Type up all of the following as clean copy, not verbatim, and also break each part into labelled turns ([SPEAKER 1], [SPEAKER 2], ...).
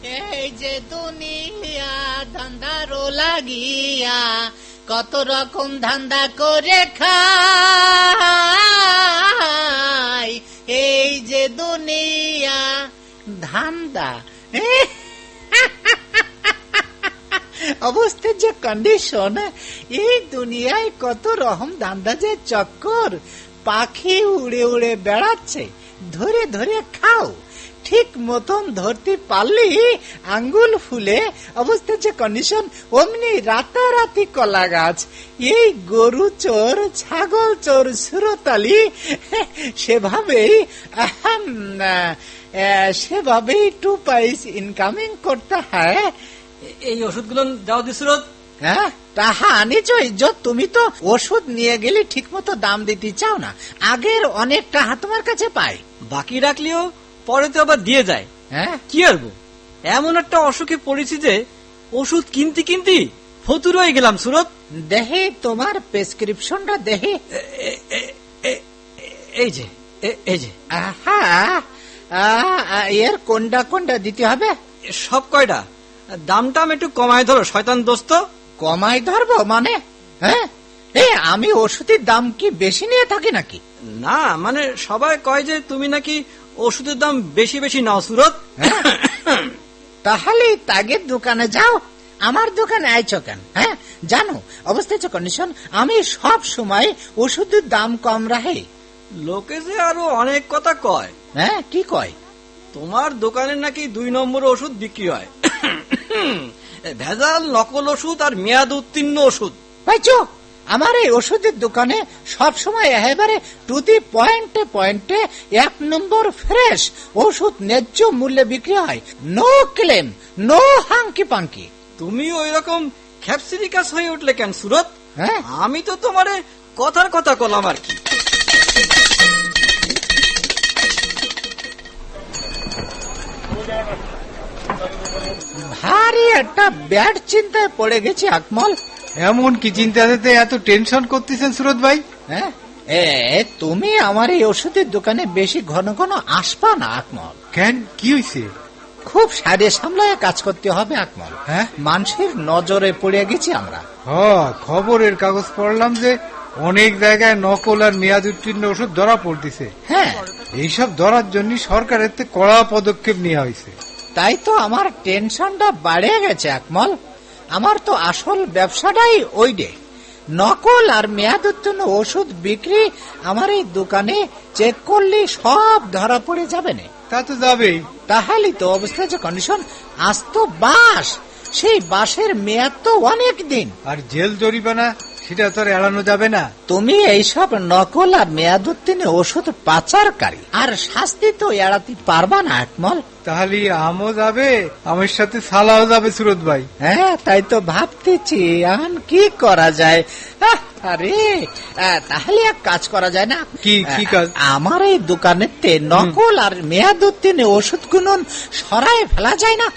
[SPEAKER 1] এই যে দুনিয়া ধান্দারও লাগিয়া কত রকম ধান্দা করে খাই, এই যে দুনিয়া ধান্দা। অবস্থার যে কন্ডিশন, এই দুনিয়ায় কত রকম ধান্দা যে চক্কর, পাখি উড়ে উড়ে বেড়াচ্ছে, ধরে ধরে খাও, ঠিক মতন ধরতে পারলি আঙ্গুল ফুলে। অবস্থা যে কন্ডিশন, অমনি রাতারাতি কলা গাছ। এই গরু চোর ছাগল চোর সুরতালি সেভাবেই 2 পয়সা ইনকামিং করতে হয়।
[SPEAKER 2] এই ওষুধগুলো দাও দি সুরত।
[SPEAKER 1] হ্যাঁ, তাহা আনিছ ইজ্জত। তুমি তো ওষুধ নিয়ে গেলে ঠিক মতো দাম দিতে চাও না। আগের অনেক টাকা তোমার কাছে পাই,
[SPEAKER 2] বাকি রাখলেও পরে তো আবার দিয়ে যায়।
[SPEAKER 1] হ্যাঁ,
[SPEAKER 2] কি করবো, এমন একটা অসুখে পড়েছি যে ওষুধ কিনতে কিনতে ফতুর হয়ে গেলাম সুরত।
[SPEAKER 1] দেখে তোমার প্রেসক্রিপশনটা দেখে।
[SPEAKER 2] এই যে এই যে
[SPEAKER 1] আহা, এর কোনটা কোনটা দিতে হবে?
[SPEAKER 2] সব কয়টা। দামটা একটু কমায় ধরো শয়তান দোস্ত।
[SPEAKER 1] কমাই ধরবো মানে? হ্যাঁ, আমি ওষুধের দাম কি বেশি নিয়ে থাকি নাকি?
[SPEAKER 2] না, মানে সবাই কয় যে তুমি নাকি ওষুধের দাম বেশি বেশি নাও সুরত।
[SPEAKER 1] তাহলে তাগের দোকানে যাও, আমার দোকানে আইছো কেন? হ্যাঁ, জানো অবস্থা হচ্ছে কন্ডিশন, আমি সব সময় ওষুধের দাম কম রাখি।
[SPEAKER 2] লোকে যে আরো অনেক কথা কয়।
[SPEAKER 1] হ্যাঁ, কি কয়?
[SPEAKER 2] তোমার দোকানে নাকি 2 নম্বর ওষুধ বিক্রি হয়, ভেজাল নকল ওষুধ আর মেয়াদ উত্তীর্ণ ওষুধ।
[SPEAKER 1] পাইছো, আমার এই ওষুধের দোকানে সব সময় একেবারে টু দি পয়েন্টে পয়েন্টে 1 নম্বর ফ্রেশ ওষুধ ন্যায্য মূল্যে বিক্রি হয়। No claim, no hanky panky.
[SPEAKER 2] তুমি ওই রকম খ্যাপসিরিকাস হয়ে উঠলে কেন সুরত?
[SPEAKER 1] হ্যাঁ,
[SPEAKER 2] আমি তো তোমারে কথার কথা কলাম আর কি।
[SPEAKER 1] ভারী একটা ব্যাড চিন্তায় পড়ে গেছি আকমল।
[SPEAKER 3] এমন কি চিন্তাতে এত টেনশন করতেছেন সুরত ভাই?
[SPEAKER 1] হ্যাঁ, তুমি আমার এই ওষুধের দোকানে বেশি ঘন ঘন আসবা না আকমল।
[SPEAKER 3] কেন, কি হয়েছে?
[SPEAKER 1] খুব সাইডে সামলায় কাজ করতে হবে আকমল।
[SPEAKER 3] হ্যাঁ,
[SPEAKER 1] মানুষের নজরে পড়ে গেছি আমরা।
[SPEAKER 3] খবরের কাগজ পড়লাম যে অনেক জায়গায় নকল আর মেয়াদ উত্তীর্ণ ওষুধ ধরা পড়তেছে।
[SPEAKER 1] হ্যাঁ,
[SPEAKER 3] এইসব ধরার জন্য সরকারের কড়া পদক্ষেপ নেওয়া হয়েছে।
[SPEAKER 1] তাই তো আমার টেনশনটা বাড়ে গেছে আকমল। আমার তো আসল ব্যবসাটাই ওইডে, নকল আর মেয়াদ উত্তীর্ণ ওষুধ বিক্রি। আমার এই দোকানে চেক করলে সব ধরা পড়ে যাবে না।
[SPEAKER 3] তা তো যাবেই।
[SPEAKER 1] তাহলে তো অবস্থা যে কন্ডিশন, আজ তো বাস, সেই বাসের মেয়াদ তো অনেক দিন।
[SPEAKER 3] আর জেল জরিমানা সেটা তো এড়ানো যাবে না।
[SPEAKER 1] তুমি এইসব নকল আর মেয়াদ উত্তীর্ণ ওষুধ পাচারকারী, আর শাস্তি তো এড়াতে পারবা না আকমল।
[SPEAKER 3] তাহলে আমও যাবে, আমার সাথে সালাও যাবে সুরত ভাই।
[SPEAKER 1] হ্যাঁ, তাই তো ভাবতেছি এখন কি করা যায়। আরে, তাহলে এক কাজ করা যায় না?
[SPEAKER 3] কি কাজ?
[SPEAKER 1] আমার এই দোকানেতে নকল আর মেয়াদ উত্তীর্ণ ওষুধ গুলো সরায় ফেলা যায় না?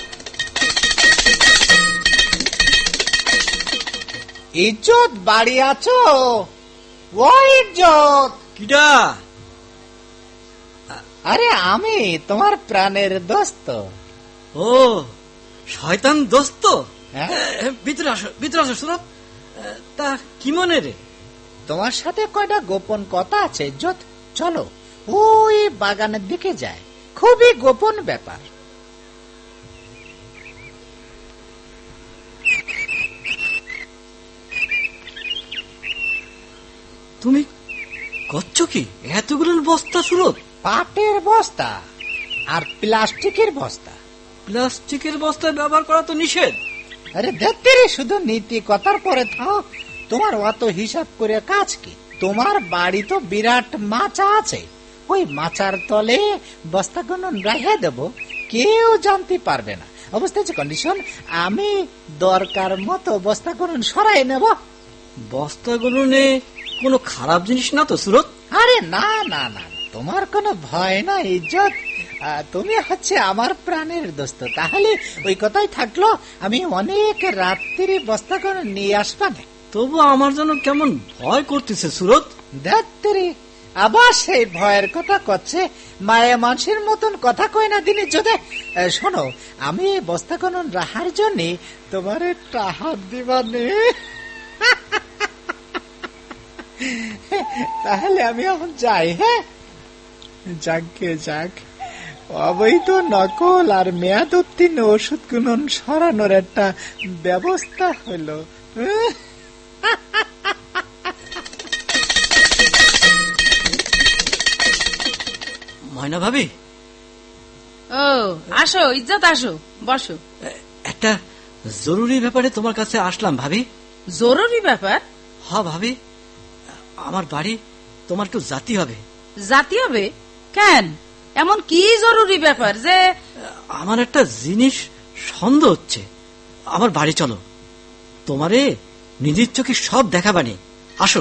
[SPEAKER 1] ইজ্জত বাড়ি আছো? ও ইজ্জত!
[SPEAKER 2] কিডা?
[SPEAKER 1] আরে আমি তোমার প্রাণের দোস্ত।
[SPEAKER 2] ও শয়তান দোস্ত,
[SPEAKER 1] হ্যাঁ?
[SPEAKER 2] ভিতরে আসো, ভিতরে আসো সুরত। তা কি মনে রে?
[SPEAKER 1] তোমার সাথে কয়টা গোপন কথা আছে ইজ্জত। চলো ওই বাগানের দিকে যায়, খুবই গোপন ব্যাপার।
[SPEAKER 2] তুমি করছো কি এতগুলো বস্তা সুরত?
[SPEAKER 1] পাটের বস্তা আর প্লাস্টিকের বস্তা।
[SPEAKER 2] প্লাস্টিকের বস্তা ব্যবহার করা তো নিষেধ।
[SPEAKER 1] আরে দেখতে রে, শুধু নীতি কথার পরে থাও। তোমার অত হিসাব করে কাজ কি? তোমার বাড়ি তো বিরাট মাচা আছে, ওই মাচার তলে বস্তাগুলো রেখে দেব, কেউ জানতে পারবে না। অবস্থা হচ্ছে কন্ডিশন, আমি দরকার মতো বস্তাগুলো সরাই নেব।
[SPEAKER 2] বস্তাগুলো নে কোনো খারাপ জিনিস না তো সুরত?
[SPEAKER 1] আরে না না না, তোমার কোনো ভয় না ইজ্জত। তুমি হচ্ছে আমার প্রাণের দোস্ত। তাহলে ওই কথাই থাকলো, আমি অনেক রাত্রি বস্তা করে নিয়ে আসবা না।
[SPEAKER 2] তবু আমার জন্য কেমন ভয় করতেছে সুরত।
[SPEAKER 1] রাত্রি আবার সেই ভয়ের কথা করছে। মায়া মানুষের মতন কথা কয় না দিনে যদি। শোনো, আমি এই বস্তা খনন রাহার জন্য তোমার টাহার দিবানে। তাহলে আমি এখন যাই। হ্যাঁ, যাকে যাক, অবৈধ নকল আর মেয়াদ উত্তীর্ণ ওষুধ গুণন সরানোর একটা ব্যবস্থা হলো।
[SPEAKER 2] ময়না ভাবি,
[SPEAKER 4] ও আসো ইজ্জত, আসো বসো।
[SPEAKER 2] একটা জরুরি ব্যাপারে তোমার কাছে আসলাম ভাবি।
[SPEAKER 4] জরুরি ব্যাপার?
[SPEAKER 2] ভাবি, আমার বাড়ি তোমার একটু জাতি হবে।
[SPEAKER 4] জাতি হবে কেন? এমন কি জরুরি ব্যাপার যে?
[SPEAKER 2] আমার একটা জিনিস সন্দেহ হচ্ছে। আমার বাড়ি চলো, তোমারে নিজের চোখে সব দেখাবানি। আসো।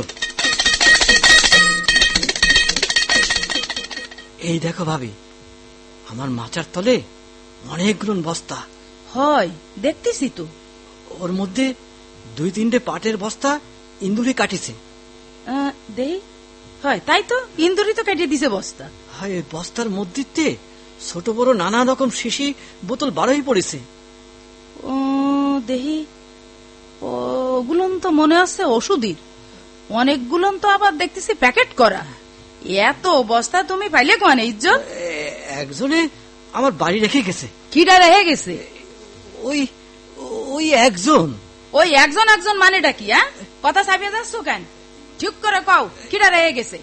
[SPEAKER 2] এই দেখো ভাবি, আমার মাচার তলে অনেকগুলো বস্তা।
[SPEAKER 4] হয়, দেখতেছি তো।
[SPEAKER 2] ওর মধ্যে 2-3টে পাটের বস্তা ইন্দুরি কাটিছে।
[SPEAKER 4] দেই, হয় তাই তো, ইন্দুরি তো কেটে দিছে বস্তা।
[SPEAKER 2] হয়, ওই বস্তার মধ্যে ছোট বড় নানা রকম শিশি বোতল বারোই পড়েছে।
[SPEAKER 4] ও দেহি, ওগুলো তো মনে হচ্ছে ওষুধের। অনেকগুলো তো আবার দেখতেছি প্যাকেট করা। এত বস্তা তুমি পাইলে কোন ইজ্জত?
[SPEAKER 2] একজনে আমার বাড়ি রেখে গেছে।
[SPEAKER 4] কিডা রেখে গেছে?
[SPEAKER 2] ওই ওই একজন।
[SPEAKER 4] ওই একজন একজন মানেটা কি? কথা চাপিয়ে যাচ্ছ কেন? ঠিক করে কও, কিডা রেখে গেছে?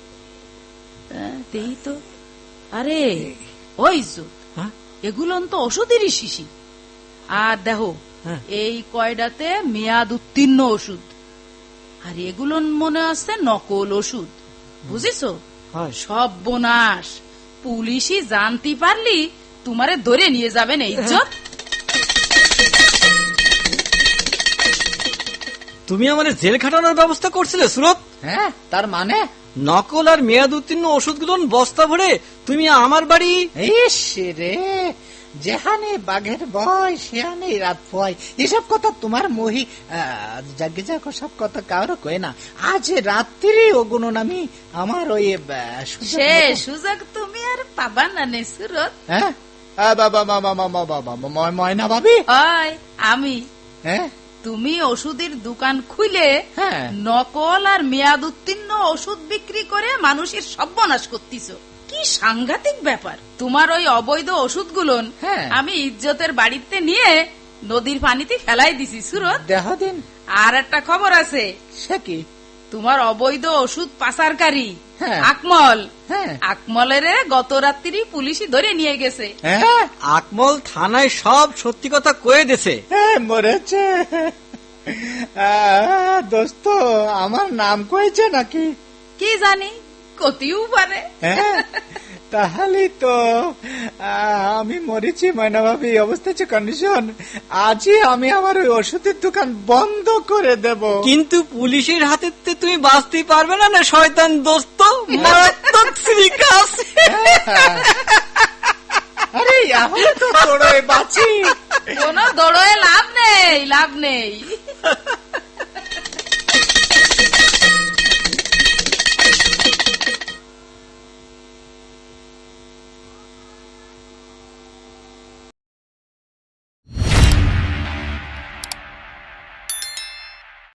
[SPEAKER 4] দেই তো। আরে ওই ইজ্জত,
[SPEAKER 2] হ্যাঁ,
[SPEAKER 4] এগুলো তো ওষুধেরই শিশি। আর দেখো,
[SPEAKER 2] হ্যাঁ,
[SPEAKER 4] এই কয়ডাতে মেয়াদ উত্তীর্ণ ওষুধ, আর এগুলো মনে আছে নকল ওষুধ। বুঝেছো?
[SPEAKER 2] হয়।
[SPEAKER 4] সব বোনাস, পুলিশই জানতে পারলি তোমারে ধরে নিয়ে যাবে না ইজ্জত।
[SPEAKER 2] তুমি আমার জেল খাটানোর ব্যবস্থা করছিলে সুরত।
[SPEAKER 1] হ্যাঁ, তার মানে?
[SPEAKER 2] নকল আর মেয়াদ উত্তীর্ণ ওষুধগুলো বস্তা ভরে তুমি আমার বাড়ি।
[SPEAKER 1] ইস রে, যেখানে বাঘের ভয় সেখানে রাত ভয়। এসব কথা তোমার মহি যাকে যাক সব কথা কারো কয় না। আজ রাত্রি ওগুলো আমি আমার ওই
[SPEAKER 4] সে সুযোগ তুমি আর পাবা না নে সুরত।
[SPEAKER 1] হ্যাঁ, ময়না ভাবি,
[SPEAKER 4] হয় আমি।
[SPEAKER 1] হ্যাঁ,
[SPEAKER 4] তুমি ওষুধের দোকান খুলে
[SPEAKER 1] হ্যাঁ,
[SPEAKER 4] নকল আর মেয়াদ উত্তীর্ণ ওষুধ বিক্রি করে মানুষের সর্বনাশ করতেছ। কি সাংঘাতিক ব্যাপার! তোমার ওই অবৈধ ওষুধগুলো
[SPEAKER 1] হ্যাঁ,
[SPEAKER 4] আমি ইজ্জতের বাড়িতে নিয়ে নদীর পানিতে ফেলাই দিছি সুরত।
[SPEAKER 1] দেহ দিন।
[SPEAKER 4] আর একটা খবর আছে।
[SPEAKER 1] সে কি?
[SPEAKER 4] তোমার অবৈধ ওষুধ পাচারকারী
[SPEAKER 1] হ্যাঁ,
[SPEAKER 4] আকমল,
[SPEAKER 1] হ্যাঁ,
[SPEAKER 4] আকমলের গত রাত্রি পুলিশই ধরে নিয়ে গেছে।
[SPEAKER 1] হ্যাঁ,
[SPEAKER 2] আকমল থানায় সব সত্যি কথা কয়ে দিছে।
[SPEAKER 1] হ্যাঁ, মরেছে। দোস্ত, আমার নাম কয়েছে নাকি?
[SPEAKER 4] কি জানি, কতিও পারে।
[SPEAKER 1] হ্যাঁ, তাহলে তো আমি মরেছি ময়না ভাবি। অবস্থা হচ্ছে কন্ডিশন। আজই আমি আমার ওই ওষুধের দোকান বন্ধ করে দেব।
[SPEAKER 2] কিন্তু পুলিশের হাতে তুমি বাঁচতে পারবে না না শয়তান দোস্ত। মারাত্মক শ্রীকাশ।
[SPEAKER 1] আরে এখন তো দৌড়ে বাঁচি।
[SPEAKER 4] কোনো দৌড়ে লাভ নেই, লাভ নেই।